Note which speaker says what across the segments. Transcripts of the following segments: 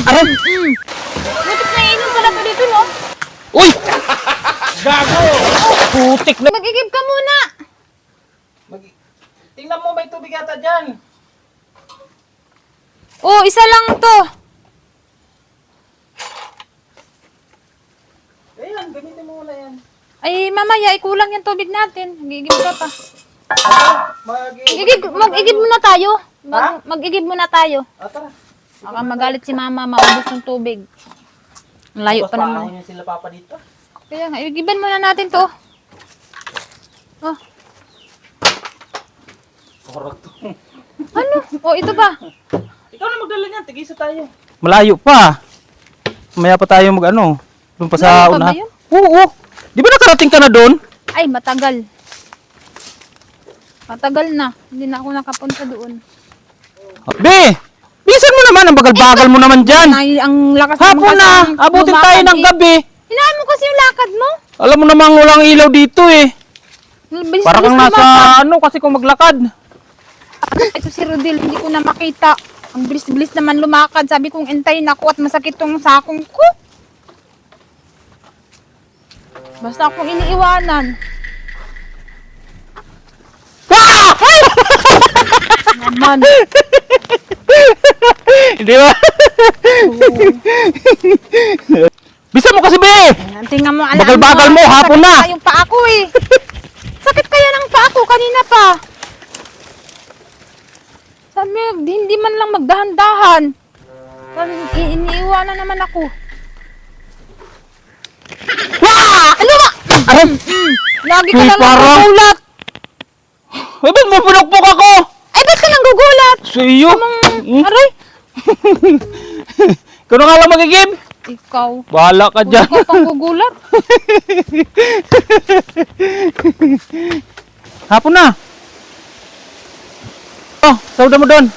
Speaker 1: Aray!
Speaker 2: Butik na inom pala to dito, no?
Speaker 1: Uy! Gago! Putik na!
Speaker 2: Mag-igib ka muna.
Speaker 3: Tingnan mo, may tubig yata dyan.
Speaker 2: Oh, isa lang to.
Speaker 3: Ayan, gamitin mo muna yan.
Speaker 2: Ay, mamaya, kulang yung tubig natin. Mag-igib ka pa. Mag-igib muna tayo. Mag-igib muna tayo.
Speaker 3: Tara.
Speaker 2: Baka magalit si mama, maubos yung tubig. Ang layo pa naman.
Speaker 3: Paano sila papa dito?
Speaker 2: Kaya nga, igiban muna natin to. Oh,
Speaker 3: Korot to.
Speaker 2: ano? Oh, ito ba?
Speaker 3: Ikaw na magdala niyan, tigisa tayo.
Speaker 1: Malayo pa. Maya pa tayo mag-ano. Doon pa sa
Speaker 2: Malayo pa ba
Speaker 1: una.
Speaker 2: yun?
Speaker 1: Oo. Di ba nakarating ka na doon?
Speaker 2: Ay, matagal. Matagal na. Hindi na ako nakapunta doon.
Speaker 1: Be! Bisan mo naman, ang bagal-bagal mo naman dyan.
Speaker 2: Ay, ang lakas
Speaker 1: Hapon na,
Speaker 2: kasing
Speaker 1: abutin
Speaker 2: lumakad
Speaker 1: tayo ng
Speaker 2: eh.
Speaker 1: gabi.
Speaker 2: Hinaan mo kasi yung lakad mo.
Speaker 1: Alam mo namang walang ilaw dito eh.
Speaker 2: Bilis,
Speaker 1: Para kang
Speaker 2: bilis
Speaker 1: nasa
Speaker 2: lumakad.
Speaker 1: ano kasi kung maglakad.
Speaker 2: Ito si Rodel, hindi ko na makita. Ang bilis-bilis naman lumakad. Sabi kong entayin ako at masakit tong sakong ko. Basta akong iniiwanan.
Speaker 1: Ah!
Speaker 2: Naman.
Speaker 1: Di ba? Bisa mo kasi be!
Speaker 2: Tingnan mo,
Speaker 1: Bagal-bagal mo, hapon na.
Speaker 2: Sakit yung paa ko eh. Sakit kaya ng paa ko kanina pa. Sabi, hindi man lang magdahan-dahan. Sabi, iniiwanan naman ako. Ano ba?
Speaker 1: Aray!
Speaker 2: Lagi ka
Speaker 1: Uy,
Speaker 2: lang
Speaker 1: parang-
Speaker 2: nagugulat.
Speaker 1: Ay, ba't mo pinukpok ako?
Speaker 2: Ay, ba't ka nang gugulat?
Speaker 1: Sa iyo?
Speaker 2: Aray!
Speaker 1: Ikaw na nga lang magigib?
Speaker 2: Ikaw.
Speaker 1: Bahala ka dyan.
Speaker 2: Ikaw pang gugulat.
Speaker 1: Hapon na. Oh, sauda mo doon.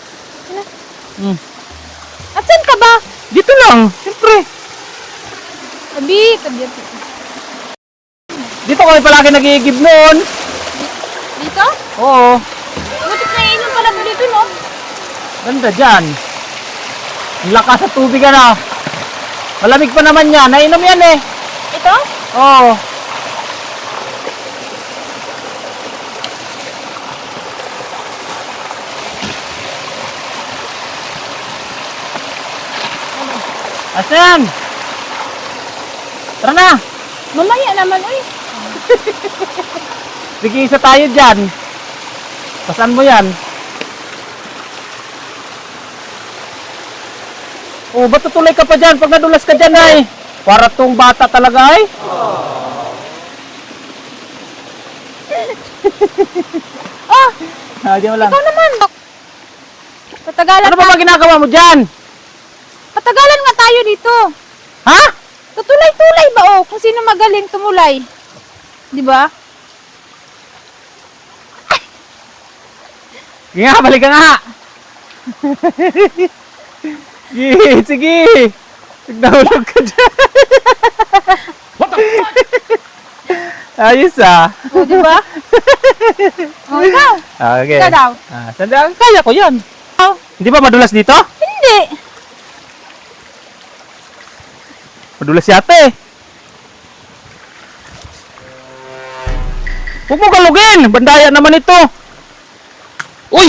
Speaker 2: At saan ka ba?
Speaker 1: Dito lang, siyempre.
Speaker 2: Sabi, tabi.
Speaker 1: Dito kami palagi nag-iigib noon.
Speaker 2: Dito?
Speaker 1: Oo,
Speaker 2: Butik na inom pala to dito, no?
Speaker 1: ganda dyan. Ang lakas sa tubig ano. Malamig pa naman yan, nainom yan eh.
Speaker 2: Ito?
Speaker 1: Oo. Asan? Tara na.
Speaker 2: Mamaya naman, uy.
Speaker 1: Sige, isa tayo dyan. Pasan mo yan? Oh, ba't tutuloy ka pa dyan? Pag nadulas ka dyan ay. Para tong bata talaga ay.
Speaker 2: Oh,
Speaker 1: Diyan mo lang.
Speaker 2: ikaw naman. Patagalan
Speaker 1: Ano ba ba ginagawa mo dyan?
Speaker 2: Patagalan nga tayo dito.
Speaker 1: Ha?
Speaker 2: Tutulay-tulay ba oh? Kung sino magaling tumulay. Di ba?
Speaker 1: Sige nga, balik ka nga. Sige, sige. Nahulog ka dyan. What the fuck? Ayos ah.
Speaker 2: O, di ba? O, ikaw.
Speaker 1: Okay.
Speaker 2: Ikaw daw.
Speaker 1: Sandali, kaya ko yan.
Speaker 2: Oh,
Speaker 1: Hindi ba madulas dito?
Speaker 2: hindi.
Speaker 1: Madulas yata eh. Huwag mo galugin. Bandaya naman ito. Uy!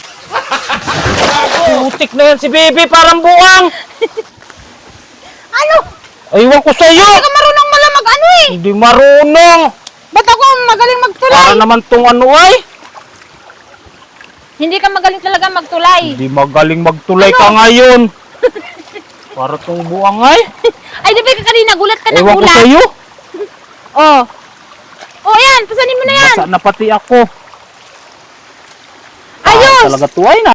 Speaker 1: Putik na yan si Bibi. Parang buwang.
Speaker 2: Ano?
Speaker 1: Aywan ko sa'yo.
Speaker 2: Hindi ka marunong malamag ano eh.
Speaker 1: Hindi marunong.
Speaker 2: Ba't ako magaling magtulay?
Speaker 1: Para naman tong ano ay.
Speaker 2: Hindi ka magaling talaga magtulay.
Speaker 1: Hindi magaling magtulay ka ngayon. Para tong buwang ay.
Speaker 2: Ay, di ba ka kanina gulat ka ng
Speaker 1: Ewan ko
Speaker 2: gulat?
Speaker 1: sa'yo.
Speaker 2: Oh. Oh, yan. Pasanin mo na yan.
Speaker 1: Basa na pati ako.
Speaker 2: Ayos.
Speaker 1: Talaga tuway na.